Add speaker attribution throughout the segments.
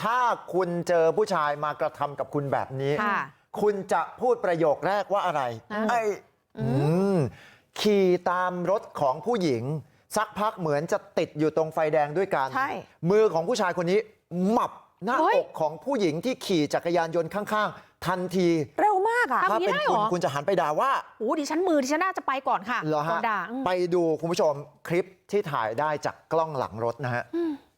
Speaker 1: ถ้าคุณเจอผู้ชายมากระทำกับคุณแบบนี้คุณจะพูดประโยคแรกว่าอะไรขี่ตามรถของผู้หญิงสักพักเหมือนจะติดอยู่ตรงไฟแดงด้วยกันมือของผู้ชายคนนี้หมับหน้าอกของผู้หญิงที่ขี่จักรยานยนต์ข้างๆทันที
Speaker 2: เร็วมากอ่ะ
Speaker 1: ถ้าเป็นคุณจะหันไปด่าว่า
Speaker 2: ดิฉันน่าจะไปก่อนค่ะ
Speaker 1: เหรอฮะไปดูคุณผู้ชมคลิปที่ถ่ายได้จากกล้องหลังรถนะฮะ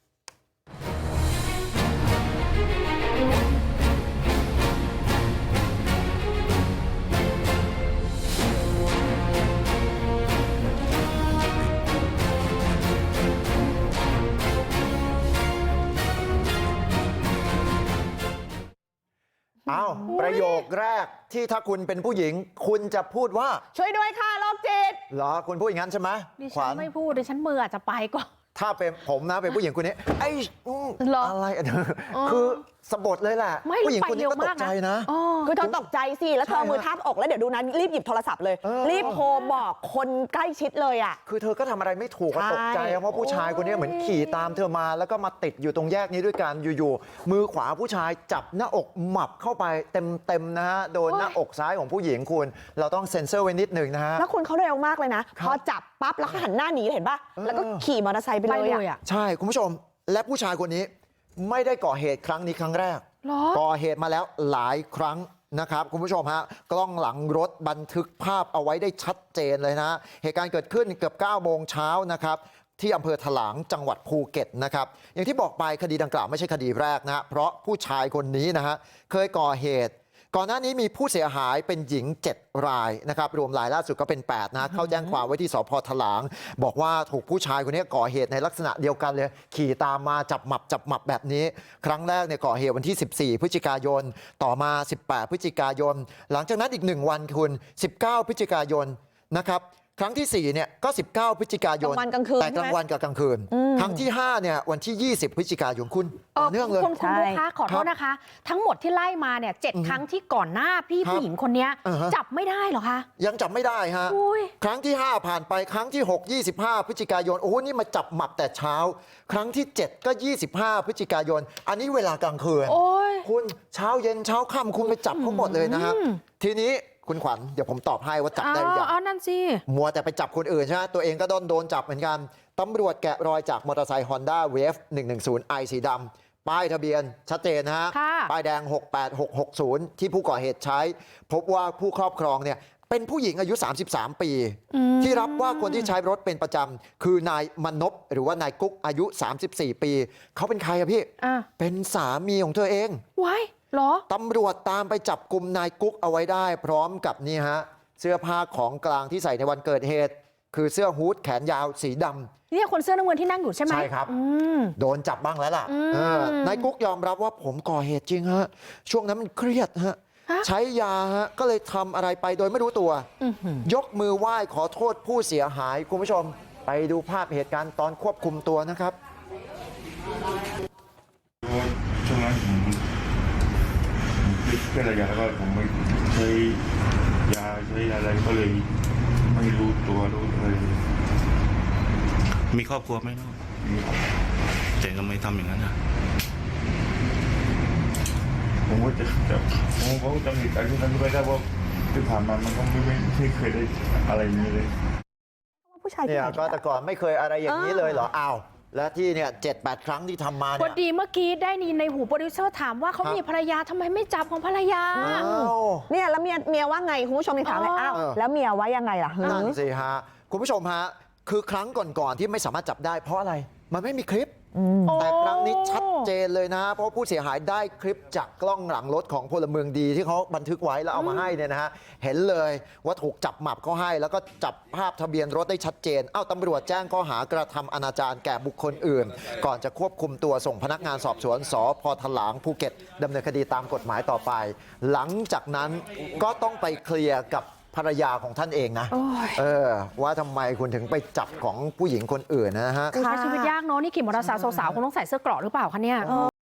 Speaker 1: ประโยคแรกที่ถ้าคุณเป็นผู้หญิงคุณจะพูดว่า
Speaker 2: ช่วยด้วยค่ะโรคจิต
Speaker 1: เหรอคุณพูดอย่างนั้นใช่ไหม
Speaker 2: ดิฉันไม่พูดดิฉันมืออาจจะไปก่อน
Speaker 1: ถ้าเป็นผมนะเป็นผู้หญิงคนนี้อะไรคือสะบัดเลยแหละผู้หญิงคนนี้ก็ตกใจนะ
Speaker 2: คือเธอตกใจสิแล้วเธอมือทับอกแล้วเดี๋ยวดูนะรีบหยิบโทรศัพท์เลยรีบโทรบอกคนใกล้ชิดเลยอ่ะ
Speaker 1: คือเธอก็ทำอะไรไม่ถูกตกใจเพราะผู้ชายคนนี้เหมือนขี่ตามเธอมาแล้วก็มาติดอยู่ตรงแยกนี้ด้วยกันอยู่ๆมือขวาผู้ชายจับหน้าอกหมับเข้าไปเต็มนะฮะโดนหน้าอกซ้ายของผู้หญิงคุณเราต้องเซ็นเซอร์ไว้นิดหนึ่งนะฮะ
Speaker 2: แล้วคุณเขาเร็วมากเลยนะพอจับปั๊บแล้วเขาหันหน้าหนีเห็นป่ะแล้วก็ขี่มอเตอร์ไซค์ไปเลยอ่ะ
Speaker 1: ใช่คุณผู้ชมและผู้ชายคนนี้ไม่ได้ก่อเหตุครั้งนี้ครั้งแรกก่อเหตุมาแล้วหลายครั้งนะครับคุณผู้ชมฮะกล้องหลังรถบันทึกภาพเอาไว้ได้ชัดเจนเลยนะเหตุการณ์เกิดขึ้นเกือบ9 โมงเช้านะครับที่อำเภอถลางจังหวัดภูเก็ตนะครับอย่างที่บอกไปคดีดังกล่าวไม่ใช่คดีแรกนะเพราะผู้ชายคนนี้นะฮะเคยก่อเหตุก่อนหน้านี้มีผู้เสียหายเป็นหญิง7 รายนะครับรวมรายล่าสุดก็เป็น8นะเข้าแจ้งความไว้ที่สพถลางบอกว่าถูกผู้ชายคนนี้ก่อเหตุในลักษณะเดียวกันเลยขี่ตามมาจับหมับแบบนี้ครั้งแรกเนี่ยก่อเหตุวันที่14 พฤศจิกายนต่อมา18 พฤศจิกายนหลังจากนั้นอีก1 วันคุณ19 พฤศจิกายนนะครับครั้งที่4เนี่ยก็19 พฤศจิกายนแต่กลางวันกับกลางคืนครั้งที่5เนี่ยวันที่20 พฤศจิกายนคุณต่อเนื่องเลย
Speaker 2: คุณลูกค้าขอโทษนะคะทั้งหมดที่ไล่มาเนี่ย7 ครั้งที่ก่อนหน้าพี่ผู้หญิงคนนี้จับไม่ได้เหรอคะ
Speaker 1: ยังจับไม่ได้ฮะครั้งที่5ผ่านไปครั้งที่6 25 พฤศจิกายนโอ้โหนี่มาจับหมับแต่เช้าครั้งที่7ก็25 พฤศจิกายนอันนี้เวลากลางคืนคุณเช้าเย็นเช้าค่ำคุณไปจับเขาหมดเลยนะครับทีนี้คุณขวัญเดี๋ยวผมตอบให้ว่าจับได้หรือยัง
Speaker 2: นั่นสิ
Speaker 1: มัวแต่ไปจับคนอื่นใช่ไหมตัวเองก็โดนจับเหมือนกันตำรวจแกะรอยจากมอเตอร์ไซค์ Honda Wave 110i สีดำป้ายทะเบียนชัดเจนนะฮะป้ายแดง68660ที่ผู้ก่อเหตุใช้พบว่าผู้ครอบครองเนี่ยเป็นผู้หญิงอายุ33 ปีที่รับว่าคนที่ใช้รถเป็นประจำคือนายมนพหรือว่านายกุ๊กอายุ34 ปีเขาเป็นใครอะพี่เป็นสามีของเธอเอง
Speaker 2: ว้าย
Speaker 1: ตำรวจตามไปจับกลุ่มนายกุ๊กเอาไว้ได้พร้อมกับนี่ฮะเสื้อผ้าของกลางที่ใส่ในวันเกิดเหตุคือเสื้อฮู้ดแขนยาวสีดำ
Speaker 2: นี่คนเสื้อน้ำเงินที่นั่งอยู่ใช่ไหม
Speaker 1: ใช่ครับโดนจับบ้างแล้วล่ะนายกุ๊กยอมรับว่าผมก่อเหตุจริงฮะช่วงนั้นมันเครียดฮะใช้ยาฮะก็เลยทำอะไรไปโดยไม่รู้ตัวยกมือไหว้ขอโทษผู้เสียหายคุณผู้ชมไปดูภาพเหตุการณ์ตอนควบคุมตัวนะครับ
Speaker 3: ช่วงนั้นเป็นอะไรกันแล้วก็ผมไม่ใช้ยาใช้อะไรก็เลยไม่รู้ตัวรู้อะไร
Speaker 4: มีครอบครัวไหมน้องแต่ทำไมทำอย่างนั้นอ่ะ
Speaker 3: ผมก็จะผมก็จำเหตุการณ์ที่นั้นไม่ได้ว่าที่ผ่านมามันก็ไม่เคยได้อะไรอย่างนี้เลย
Speaker 1: เนี่ยก็แต่ก่อนไม่เคยอะไรอย่างนี้เลยเหรออ้าวและที่เนี่ย7-8 ครั้งที่ทำมาเนี่ย
Speaker 2: พอดีเมื่อกี้ได้ยินในหูโปรดิวเซอร์ถามว่าเขามีภรรยาทำไมไม่จับของภรรยาเนี่ยแล้วเมียว่าไงคุณผู้ชมถามเลยอ้าวแล้วเมียว่ายังไงล่ะ
Speaker 1: นั่นสิฮะคุณผู้ชมฮะคือครั้งก่อนๆที่ไม่สามารถจับได้เพราะอะไรมันไม่มีคลิปแต่ครั้งนี้ชัดเจนเลยนะเพราะผู้เสียหายได้คลิปจากกล้องหลังรถของพลเมืองดีที่เขาบันทึกไว้แล้วเอามาให้เนี่ยนะฮะเห็นเลยว่าถูกจับหมับเขาให้แล้วก็จับภาพทะเบียนรถได้ชัดเจนตำรวจแจ้งข้อหากระทำอนาจารแก่บุคคลอื่นก่อนจะควบคุมตัวส่งพนักงานสอบสวนสพ.ถลางภูเก็ตดำเนินคดีตามกฎหมายต่อไปหลังจากนั้นก็ต้องไปเคลียร์กับภรรยาของท่านเองนะว่าทำไมคุณถึงไปจับของผู้หญิงคนอื่นนะฮะ
Speaker 2: ใช้ชีวิตยากเนาะนี่ขี่มอเตอร์ไซค์สาวๆคงต้องใส่เสื้อเกราะหรือเปล่าคะเนี่ย